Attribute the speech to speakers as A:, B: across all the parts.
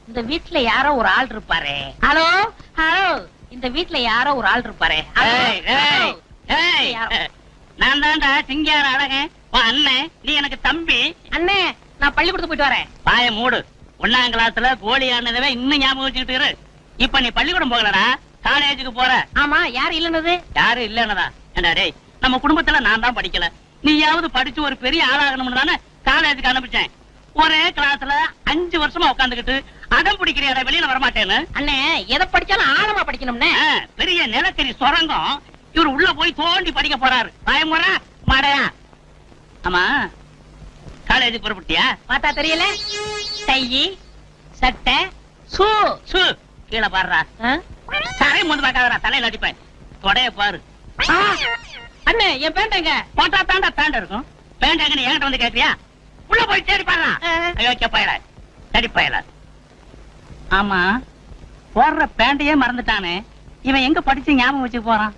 A: இந்த வீட்டுல யாரோ ஒரு ஆள் இருப்பாரு. ஹலோ ஹலோ, இந்த வீட்டுல யாரோ ஒரு ஆள் இருப்பாரு.
B: நான் தான்டா சிங்கார அழகன் அண்ணன். நீ எனக்கு தம்பி.
A: அண்ணே, நான் பள்ளிக்கூடத்துக்கு போயிட்டு வரேன்.
B: பாய மூடு. 1ஆம் கிளாஸ்ல கோழி ஆனதவே இன்னும் ஞாபகம் வச்சுக்கிட்டு இரு. இப்ப நீ பள்ளிக்கூடம் போகலடா, காலேஜுக்கு போற.
A: ஆமா, யாரு இல்லன்னது?
B: யாரு இல்லன்னதா? ஏண்டா டேய், நம்ம குடும்பத்துல நான் தான் படிக்கல, நீயாவது படிச்சு ஒரு பெரிய ஆளாகணும்னு தானே காலேஜுக்கு அனுப்பிச்சேன். ஒரே கிளாஸ்ல 5 வருஷமா உட்காந்துக்கிட்டு அடம் பிடிக்கிற வெளியில வரமாட்டேன்னு.
A: அண்ணே, எதை படிச்சாலும் ஆழமா படிக்கணும்னே.
B: பெரிய நிலக்கரி சுரங்கம் இவர் உள்ள போய் தோண்டி படிக்க போறாரு. பயமுறா மாடையா? ஆமா, காலேஜுக்கு புறப்பட்டியா?
A: பார்த்தா தெரியல. டை, சட்டை, ஷூ.
B: ஷூ கீழே பாடுறா. தரை முந்து பார்க்காதடா, தலையில அடிப்பேன். தொடைய பாரு.
A: அண்ணே, என் பேண்டங்க
B: போட்டா தாண்டா பேண்ட் இருக்கும். பேண்ட் என்கிட்ட வந்து கேட்கறியா? உள்ள போய் தேடி பாருடா. ஐயோ பயல, தேடி பயல. ஆமா, போடுற பேண்டையே மறந்துட்டானே இவன். எங்க படிச்சு ஞாபகம் வச்சு போறான்?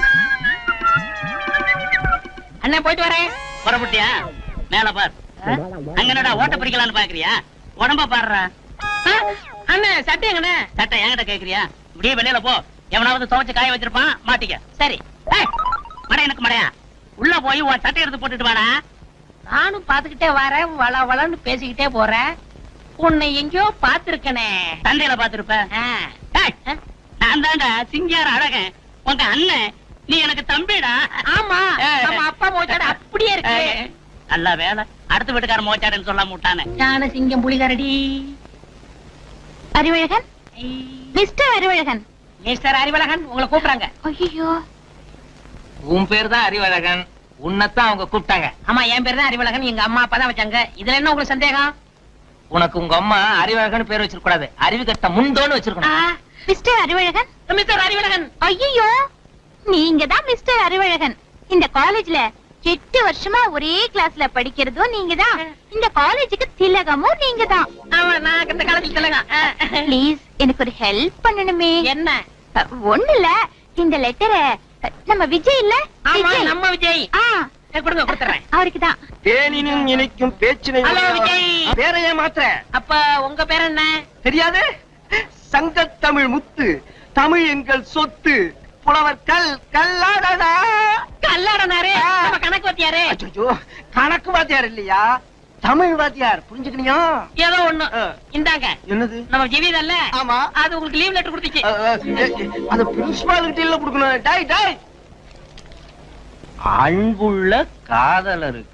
A: அண்ணே, போயிட்டு வரேன்.
B: புறப்பட்டியா? மேல பார். அங்கனடா ஓட்ட பிரிக்கலான்னு பாக்குறியா? உடம்ப பாடுறா.
A: அண்ணே, சட்டை எங்கண்ணே?
B: சட்டை என்கிட்ட கேக்குறியா? இப்படியே வெளியில போ. எவனாவது துவைச்சு காய வச்சிருப்பான், மாட்டிக்க.
A: சரி.
B: மடை எனக்கு மடையா? உள்ள போய் உன் சட்டை எடுத்து போட்டுட்டு வாடா.
A: நானும் பாத்துக்கிட்டே வரேன், வள வளன்னு பேசிக்கிட்டே போறேன். உன்னை எங்கயோ பாத்துருக்கனே.
B: சந்தையில பாத்துருப்ப. நான் தான்டா சிங்கார அழகன், உங்க அண்ணன். நீ எனக்கு தம்பிடா.
A: ஆமா, நம்ம அப்பா மோச்சாடு அப்படியே இருக்கு.
B: நல்ல வேலை, அடுத்த வீட்டுக்கார மோச்சாடுன்னு சொல்லாம விட்டானே.
A: ஞான சிங்கம் புலிகரடி.
C: அறிவழகன், மிஸ்டர் அறிவழகன்.
A: மிஸ்டர் அறிவழகன் உங்களை கூப்பிடுறாங்க.
C: ஐயோ,
D: உன் பேர் தான் அறிவழகன், உன்னைத்தான் அவங்க கூப்பிட்டாங்க.
A: ஆமா, என் பேர் தான் அறிவழகன், எங்க அம்மா அப்பா தான் வச்சாங்க. இதுல என்ன உங்களுக்கு சந்தேகம்?
D: உனக்கு உங்க அம்மா அறிவழகன் பேர் வச்சிருக்க கூடாது, அறிவு கட்ட முந்தோன்னு வச்சிருக்கணும்.
C: மிஸ்டர் அறிவழகன்.
A: மிஸ்டர் அறிவழகன்.
C: ஐயோ, நீங்க தான் மிஸ்டர் அறிவழகன். இந்த காலேஜ்ல 8 வருஷமா ஒரே கிளாஸ்ல படிக்கிறதும் நீங்க தான். இந்த காலேஜுக்கு திலகமும் நீங்க தான்.
A: ஆமா, நான் இந்த காலேஜ்ல திலகம்.
C: ப்ளீஸ், எனக்கு ஒரு ஹெல்ப் பண்ணணுமே.
A: என்ன?
C: ஒண்ணு இல்ல, இந்த லெட்டரை நம்ம விஜய் இல்ல?
A: ஆமா, நம்ம விஜய். கொடுங்க, கொடுத்துறேன்.
C: அவருக்கு தான்.
E: தேனினும் இனிக்கும் பேச்சினை.
A: ஹலோ விஜய்.
E: பேரையே மாத்திர.
A: அப்ப உங்க பேர் என்ன?
E: தெரியாது? சங்கத்தமிழ் முத்து, தமிழ் எங்கள் சொத்து, புலவர் கல்லாடனா.
A: கல்லாடனாரு நம்ம கணக்கு வாத்தியாரு.
E: அச்சோ, கணக்கு வாத்தியார் இல்லையா, தமிழ் வாத்தியார். புரிஞ்சுக்கணியா?
A: ஏதோ ஒண்ணு. இந்தாங்க.
E: என்னது?
A: நம்ம ஜெவிதல்ல?
E: ஆமா.
A: அது உங்களுக்கு லீவ் லெட்டர் கொடுத்துச்சு.
E: அது பிரின்சிபால் கிட்ட இல்ல கொடுக்கணும். டாய் டாய். அன்புள்ள காதலருக்கு.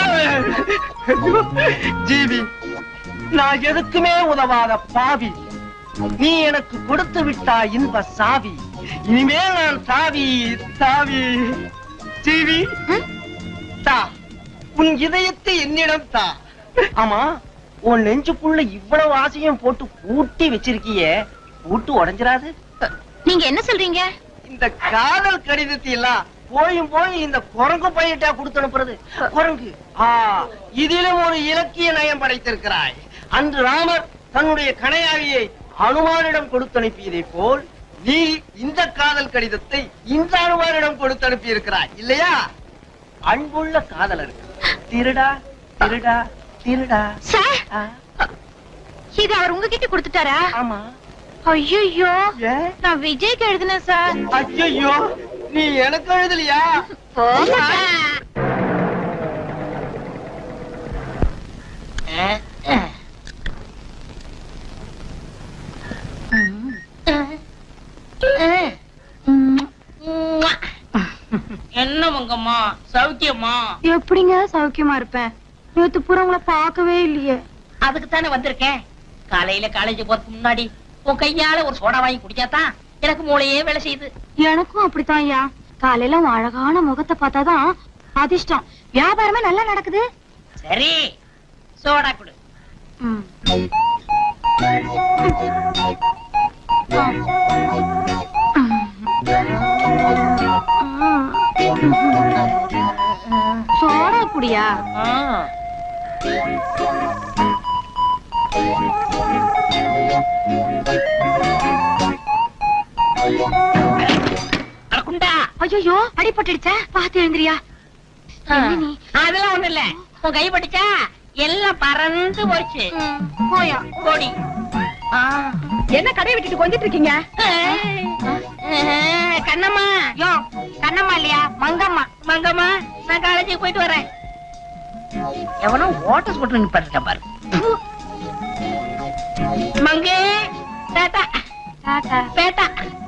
E: ஜீவி, நான் எதுக்குமே உதவாத பாவி, நீ எனக்கு கொடுத்து விட்டா இன்ப சாவி. இனிமேல் நான் தாவி தாவி. ஜீவி, தா உன் இதயத்தை என்னிடம் தா. ஆமா, உன் நெஞ்சுக்குள்ள இவ்வளவு ஆசையும் போட்டு பூட்டி வச்சிருக்கியே, பூட்டு உடைஞ்சிராது?
C: நீங்க என்ன சொல்றீங்க?
E: இந்த காதல் கடிதத்தை எல்லாம் போய் இந்த குரங்கு பையிட்டா கொடுத்து அனுப்புறது. குரங்கு, இதிலும் ஒரு இலக்கிய நயம் படைத்திருக்கிறாய். அன்று ராமர் தன்னுடைய கணையாழியை அனுமானிடம் கொடுத்து அனுப்பியதை போல் நீ இந்த காதல் கடிதத்தை இந்த அனுமானிடம் கொடுத்து அனுப்பி இருக்கிறாய் இல்லையா? அன்புள்ள காதலருக்கு. திருடா திருடா திருடா.
C: சார், இது அவர் உங்ககிட்ட கொடுத்துட்டாரா?
E: ஆமா.
C: ஐயோ, நான் விஜய்க்கு எழுதினேன் சார்.
E: ஐயோ, நீ எனக்கு எழுதலையா?
A: என்ன உங்கம்மா, சௌக்கியமா?
C: எப்படிங்க சௌக்கியமா இருப்பேன்? நேத்து பூரா உங்களை பார்க்கவே இல்லையே.
A: அதுக்கு தானே வந்திருக்கேன். காலையில காலேஜ் போறதுக்கு முன்னாடி உன் கையால ஒரு சோடா வாங்கி குடிச்சாதான் எனக்கு மூளையே வேலை செய்யுது.
C: எனக்கும் அப்படித்தான் ஐயா. காலையில உன் அழகான முகத்தை பார்த்தாதான் அதிர்ஷ்டம். வியாபாரமே நல்லா நடக்குது.
A: சரி, சோடா குடு.
C: சோடா குடியா? ஐயோ, அடிபட்டுடுச்சா? பாத்து எழுந்திரியா.
A: அதெல்லாம் ஒண்ணு இல்ல, உன் கை பட்டுச்சா எல்லாம் பறந்து போச்சு.
C: போயா
A: கோடி.
C: என்ன கடையை விட்டுட்டு கொஞ்சிட்டு இருக்கீங்க?
A: கண்ணம்மா
C: யோ, கண்ணம்மா இல்லையா, மங்கம்மா.
A: மங்கம்மா நான் காலேஜுக்கு போயிட்டு வரேன். எவனோ ஓட்ட ஸ்கூட்டர் நிப்பாட்டிருக்கேன் பாரு. மங்கே டாடா
C: டாடா.
A: பேட்டா.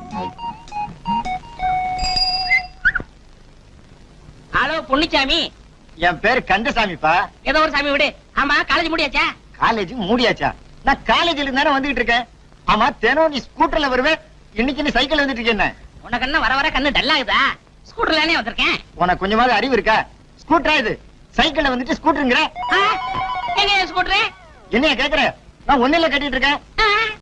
A: ஹலோ பொன்னிச்சாமி.
E: என் பேரு கந்தசாமிப்பா.
A: ஏதோ ஒரு சாமி விடு. ஆமா காலேஜ் முடியாச்சா?
E: காலேஜ் மூடியாச்சா? நான் காலேஜ்ல இருந்தானே வந்துட்டு இருக்கேன். ஆமா, தினம் நீ ஸ்கூட்டர்ல வருவேன், இன்னைக்கு நீ சைக்கிள் வந்துட்டு இருக்கேன்.
A: உனக்கு என்ன வர வர கண்ணு டல்லாகுதா? ஸ்கூட்டர்லானே வந்திருக்கேன்.
E: உனக்கு கொஞ்சமாவது அறிவு இருக்கா? ஸ்கூட்டரா இது? சைக்கிள்ல வந்துட்டு ஸ்கூட்டருங்கிற?
A: எங்க ஸ்கூட்டரு?
E: என்னைய கேக்குற? நான் ஒன்னில கட்டிட்டு இருக்கேன்.